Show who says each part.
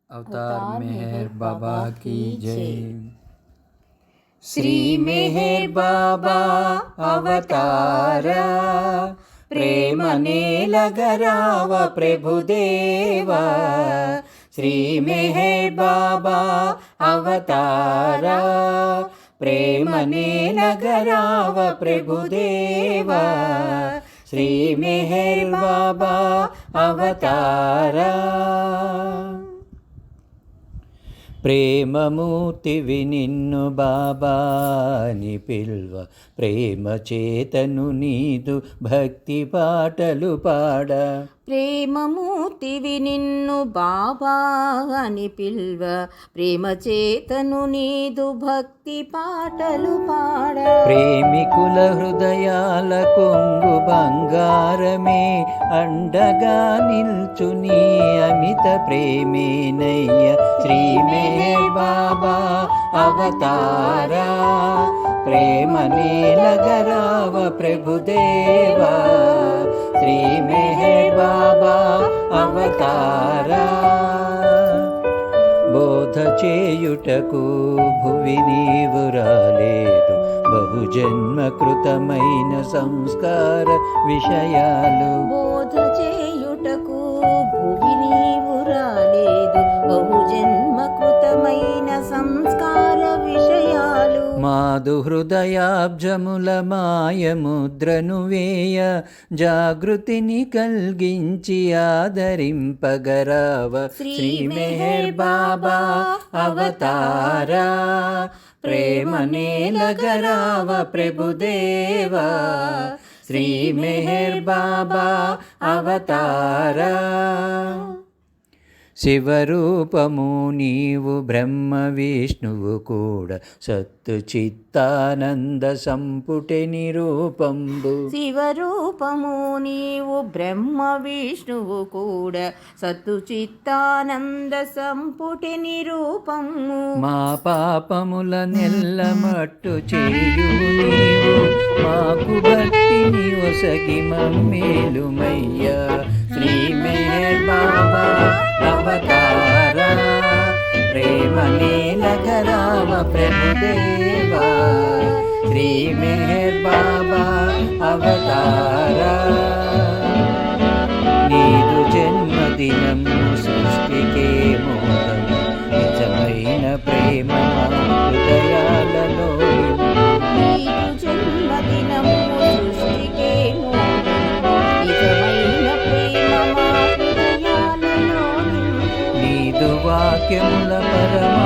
Speaker 1: अवतार मेहर बाबा की जय। श्री मेहर बाबा अवतारा, प्रेम नेलगराव प्रभुदेवा। श्री मेहर बाबा अवतारा, प्रेम नेलगराव प्रभुदेवा। श्री मेहर बाबा अवतारा, ప్రేమమూర్తివి నిన్ను బాబా అని పిల్వ, ప్రేమ చేతను నీదు భక్తి పాటలు పాడ.
Speaker 2: ప్రేమమూర్తివి నిన్ను బాబా అని పిల్వ, ప్రేమ చేతను నీదు భక్తి పాటలు పాడ.
Speaker 1: ప్రేమికుల హృదయాల కొంగు బంగారమే, అండగా నిల్చు నీ అమిత ప్రేమేనయ్య. శ్రీ మెహర్ బాబా అవతారా, ప్రేమ నీలగరావ ప్రభుదేవా. శ్రీ మెహర్ బాబా అవతారా, బోధ చేయుటకు భువి నీవు రాలేదు, బహుజన్మ కృతమైన సంస్కార విషయాలు.
Speaker 2: బోధ చేయుటకు భువి నీవు రాలేదు, బహుజన్మ కృతమైన సంస్కార విషయాలు.
Speaker 1: మాదు హృదయాబ్జముల మాయముద్రను వేయ, జాగృతిని కల్గించి ఆదరింపగరావ. శ్రీ మెహర్ బాబా అవతారా, ప్రేమ నేలగరావ ప్రభుదేవా. శ్రీ మెహర్ బాబా అవతారా, శివరూపము నీవు బ్రహ్మ విష్ణువు కూడా, సత్తు చిత్తానంద సంపుటి నిరూపంబు.
Speaker 2: శివరూపము నీవు బ్రహ్మ విష్ణువు కూడా, సత్తు చిత్తానంద సంపుటి నిరూపము.
Speaker 1: మా పాపముల నెల్లమట్టు చేయు నీవు, మాకు భక్తిని ఒసగి మమ్మేలుమయ్యా. శ్రీ మెహర్ బాబా అవతారా, ప్రేమ నీలగరావ ప్రభుదేవా. శ్రీ మెహర్ బాబా అవతారా, నీదు జన్మదినం సృష్టికే మోదం, నిజమైన ప్రేమ హృదయాలలో.
Speaker 2: నీదు జన్మదినము సృష్టికే మోదం, నిజమైన ప్రేమ మా హృదయాలలో.
Speaker 1: నీదు వాక్యముల పరమ